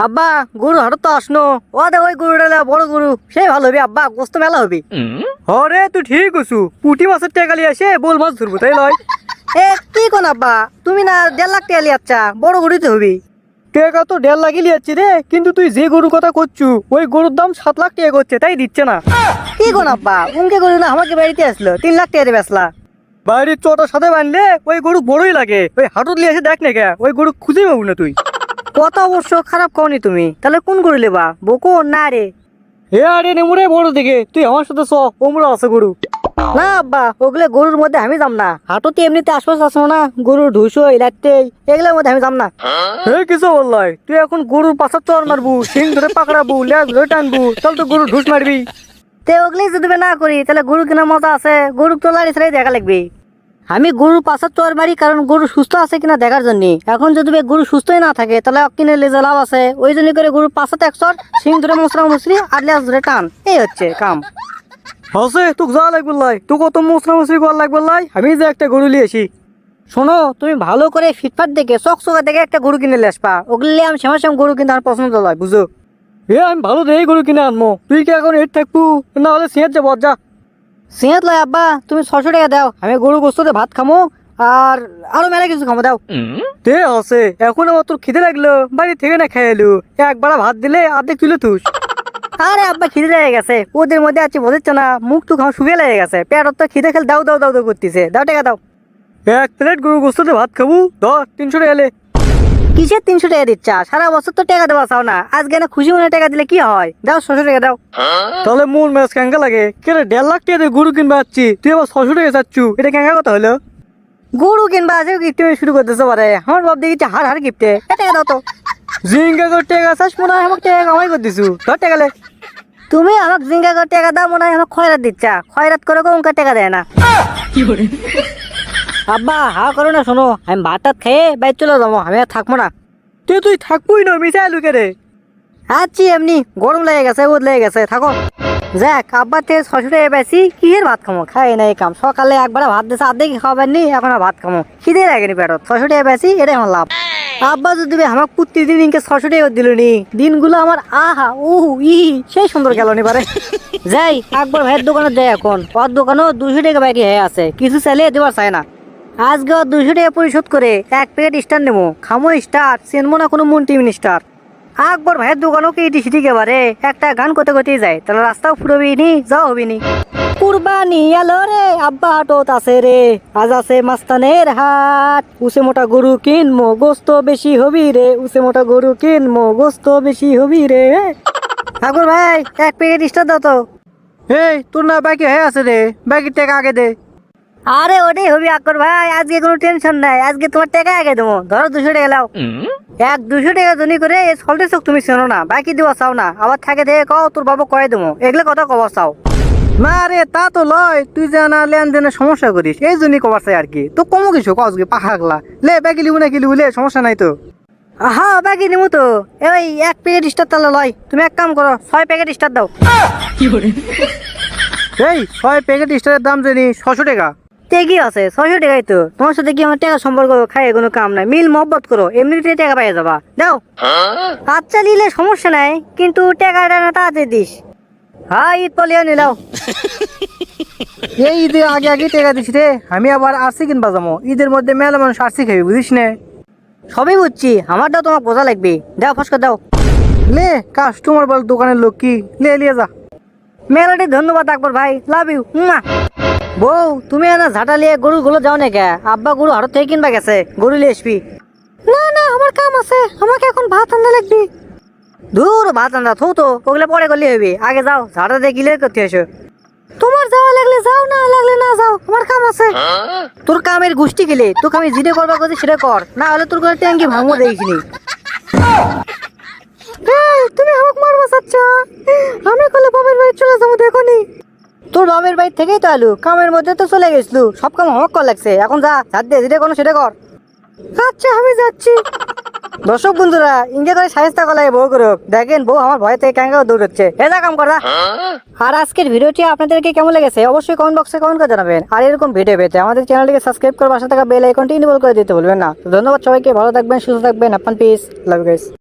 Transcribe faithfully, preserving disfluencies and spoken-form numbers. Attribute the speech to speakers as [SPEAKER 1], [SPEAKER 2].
[SPEAKER 1] আব্বা গরু হাটত তো আসনো ও দে ওই গরুটা বড় গরু সেই ভালো হবে আব্বা গোস্ত মেলা হবে।
[SPEAKER 2] আরে তুই ঠিক আছু, পুঁটি মাছের টেকালি আসে বোল মাছ ধরবো তাই লয়।
[SPEAKER 1] এ কি কোন আব্বা তুমি না দেড় লাখ টাকা লিয়ে আচ্ছা বড় গরুতে হবি।
[SPEAKER 2] টেকা তো দেড় লাখই লিয়াচ্ছি রে, কিন্তু তুই যে গরুর কথা করছু ওই গরুর দাম সাত লাখ টাকা করছে, তাই দিচ্ছে না।
[SPEAKER 1] কি কোন আব্বা উনকে গরু না আমাকে বাড়িতে আসলো তিন লাখ টাকা দিয়ে বেচলা।
[SPEAKER 2] বাড়ির চটার সাথে বানলে ওই গরু বড়ই লাগে, ওই হাটুত লিয়ে এসে দেখ না কে ওই গরু খুঁজে পাবো না তুই।
[SPEAKER 1] কত অবশ্য খারাপ কওনি তুমি, তাহলে কোন গরু লেবা বকো না রে?
[SPEAKER 2] এ আরে নেমুরে বড় দিকে তুই আমার সাথে চ, ওমরা আছে গরু।
[SPEAKER 1] না আব্বা ওগুলো গরুর মধ্যে আমি যাম না, হাটতে এমনিতে আশপাশ আসবো না গরুর ঢুসো ইলাতে এগুলোর মধ্যে আমি যাম না।
[SPEAKER 2] হে কিছু বললাই, তুই এখন গরুর পাশার চর মারবু, সিং ধরে পাকড়াবু, লেজ ধরে টানবু, তাহলে তো গরু ঢুস মারবি।
[SPEAKER 1] তে ওগুলোই যদি না করি তাহলে গরু কেনার মজা আছে? গরু তো লাড়ি ছাড়াই দেখা লাগবে। আমি গরুর পাশার চর মারি কারণ গরু সুস্থ আছে কিনা দেখার জন্য। এখন যদি গরু সুস্থই না থাকে তাহলে কিনে লেজে লাভ আছে, ওই জন্য করে গরুর পাশাতে এক চর, সিং ধরে মশরা মুসরি আর লেজ ধরে টান, এই হচ্ছে কাম।
[SPEAKER 2] হসে তোক যা লাগবে লাই, তোক কত মশলা মশলি করা লাগবে লাই, আমি যে একটা গরু লিয়ে আসি।
[SPEAKER 1] শোনো তুমি ভালো করে ফিটফাট দেখে চক চকা দেখে একটা গরু কিনে নিয়ে আসবা, ওগুলি আমি শ্যামা শ্যাম গরু কিন্তু আমার পছন্দ নয় বুঝো।
[SPEAKER 2] এ আমি ভালো দেখে গরু কিনে আনবো, তুই কি এখন এর থাকবু না হলে সিঁয়ার যাবো যা।
[SPEAKER 1] সিঁহাত লয় আব্বা তুমি ছশো টাকা দাও, আমি গরু গোস্ততে ভাত খামো আর আরো মেলা কিছু খামো দাও।
[SPEAKER 2] তে আছে এখন আমার তোর খিদে লাগলো, বাড়ি থেকে না খেয়ে এলু, একবার ভাত দিলে আর্ধেক তুলে তুস।
[SPEAKER 1] আরে আব্বা খিদে লেগে গেছে, ওদের মধ্যে আছে বোঝাচ্ছে না, মুখ টুক আমার শুকিয়ে লেগে গেছে, পেটত তো খিদে খেলে দাও দাও দাও দাও করতেছে, দাও টাকা দাও।
[SPEAKER 2] এক প্লেট গরু গোস্ততে ভাত খাবো দশ তিনশো টাকা এলে।
[SPEAKER 1] কিসের তিনশো টাকা দিচ্ছা? সারা বছর তো টাকা দেওয়া চাও না, আজকে না খুশি মনে টাকা দিলে কি হয়? দাও ছশো টাকা দাও।
[SPEAKER 2] তাহলে মন ম্যাচ ক্যাঙ্গা লাগে কেন? দেড় লাখ টাকা দিয়ে গরু কিনবে যাচ্ছি, তুই আবার ছশো টাকা চাচ্ছু, এটা ক্যাঙ্গা কথা হলো?
[SPEAKER 1] গরু কিনবা আছে গিফট শুরু করতেছে পারে, আমার বাপ দেখি হার হার গিফটে, টাকা দাও তো।
[SPEAKER 2] জিঙ্গা করে টাকা চাস মনে হয় আমাকে টাকা কামাই করে দিছু, ধর টাকা লে।
[SPEAKER 1] তুমি আমাকে জিঙ্গা করে টাকা দাও মনে হয় আমাকে খয়রাত দিচ্ছা, খয়রাত করে ওকে টাকা দেয় না। আব্বা হা করো না, শোনো আমি ভাত টাত খেয়ে বাইর চলে যাবো, আমি আর থাকবো না।
[SPEAKER 2] তুই তুই থাকবই না মিশাই লুকে রে।
[SPEAKER 1] আচ্ছি এমনি গরম লেগে গেছে ওদ লেগে গেছে থাকো। যাক আব্বার থেকে ছশো টাকা পেয়েছি, কিসের ভাত খামো, খাই না এই কাম। সকালে একবার ভাত দিয়েছে আর্ধেক খাবার নি, এখন আর ভাত খামো, খিদে লাগেনি পেটত, ছশো টাকা পেয়েছি এটাই আমার লাভ। আব্বা যদি আমার প্রতিদিন দিনকে ছশো টাকা দিল নি, দিনগুলো আমার আহা উহু ই সেই সুন্দর গেল নি পারে। যাই একবার ভাইয়ের দোকানে যাই, এখন ওর দোকানেও দুশো টাকা বাকি হয়ে আছে, কিছু চাইলে দেওয়ার চায় না। আজকে ওর দুশো টাকা পরিশোধ করে এক প্যাকেট স্টার নেবো, খামো স্টার, চেনবো না কোনো মন্টি মিনিস্টার। আকবর ভাইয়ের দোকানও কি ইটি সিটি এবারে একটা গান করতে করতেই যায়, তাহলে রাস্তাও ফুরবি নি যাও হবি নি। কুরবানি এলো রে আব্বা হাটত আছে রে, আজ আছে মাস্তানের হাট, উসে মোটা গরু কিনমো গোস্ত বেশি হবি রে, উসে মোটা গরু কিনমো গোস্ত বেশি হবি রে। আকবর ভাই এক প্যাকেট স্টার দাও তো।
[SPEAKER 2] এই তোর না বাকি হয়ে আছে রে, বাকি টাকা আগে দে।
[SPEAKER 1] আরে ওটাই হবি আকবর ভাই, আজকে কোনো টেনশন নাই, আজকে তোমার টাকা আগে দেবো, ধরো দুশো টাকা লাও। এক দুশো টাকা জনি করে সল্টে চোখ তুমি চেনো না, বাকি দেওয়া চাও না, আবার থাকে দেখে কও তোর বাবা কয়ে দেবো, এগুলো কথা কবার চাও
[SPEAKER 2] না রে তা তো লয়, তুই যে না লেনদেনের সমস্যা করিস এই জন্যই কবার চাই আর কি, তো কমো কিছু কসগে পাখাগলা লে, বাকি লিবু না কি লিবু লে, সমস্যা নাই তো।
[SPEAKER 1] হ্যাঁ বাকি নেবো তো, এই এক প্যাকেট স্টার তাহলে লয়, তুমি এক কাম করো ছয় প্যাকেট স্টার দাও।
[SPEAKER 2] এই ছয় প্যাকেট স্টারের দাম জানি ছশো টাকা।
[SPEAKER 1] কি আছে ছয়শো টাকাই তো, তোমার সাথে কি আমার টাকা সম্পর্ক খাই কোনো কাম নাই, মিল মহব্বত করো এমনিতে টাকা পাইয়া যাবা, দাও। আচ্ছা নিলে সমস্যা নাই, কিন্তু টাকাটা না তাড়াতাড়ি দিস। হ্যাঁ ঈদ পলিও নিলাও।
[SPEAKER 2] এই ঈদে আগে আগে টাকা দিস রে, আমি আবার আরসি কিনবা যাবো, ঈদের মধ্যে মেলা মানুষ আরসি খাবি বুঝিস না।
[SPEAKER 1] সবই বুঝছি, আমারটাও তোমার বোঝা লাগবে, দাও ফসকা দাও।
[SPEAKER 2] লে কাস্টমার বল দোকানের লোক কি, লে লিয়ে যা।
[SPEAKER 1] মেলাটি ধন্যবাদ আকবর ভাই, লাভ ইউ। বউ তুমি না ঝাঁটা লিয়ে গরু গুলো যাও না কে? আব্বা গরু হাট থেকে কিনবা গেছে, গরু লিয়ে আসবি। না না আমার কাম আছে, আমাকে এখন ভাত আনতে লাগবে। দূর ভাত আন্দা থো তো, ওগুলো পরে করলে হবে, আগে যাও ঝাঁটা দিয়ে গিলে করতে এসো। তোমার যাওয়া লাগলে যাও, না লাগলে না যাও, আমার কাম আছে। তোর কামের গোষ্ঠী গেলে তোকে আমি জিরে করবা করছি সেটা কর, না হলে তোর কোনো ট্যাঙ্কি ভাঙবো দেখিনি। তুমি আমাকে মারবা চাচ্ছা, আমি কলে বাবার বাড়ি চলে যাবো দেখনি। তোর বাবার বাড়ি থেকেই তো আলু, কামের মধ্যে তো চলে গেছিলু, সব কাম হক কর লাগছে, এখন যা ঝাড় দিয়ে যেটা কোনো সেটা কর। আচ্ছা আমি যাচ্ছি। দর্শক বন্ধুরা ইন্ডিয়া করে সাহেস্তা কলাই বউ করুক, দেখেন বউ আমার ভয় থেকে ক্যাঙ্গা দৌড়চ্ছে, এ যা কাম করা। আর আজকের ভিডিওটি আপনাদেরকে কেমন লেগেছে অবশ্যই কমেন্ট বক্সে কমেন্ট করে জানাবেন, আর এরকম ভিডিও পেতে আমাদের চ্যানেলটিকে সাবস্ক্রাইব করে পাশে থাকা বেল আইকনটি ইনেবল করে দিতে ভুলবেন না। তো ধন্যবাদ সবাইকে, ভালো থাকবেন, সুস্থ থাকবেন, আপনার পিস, লাভ ইউ গাইস।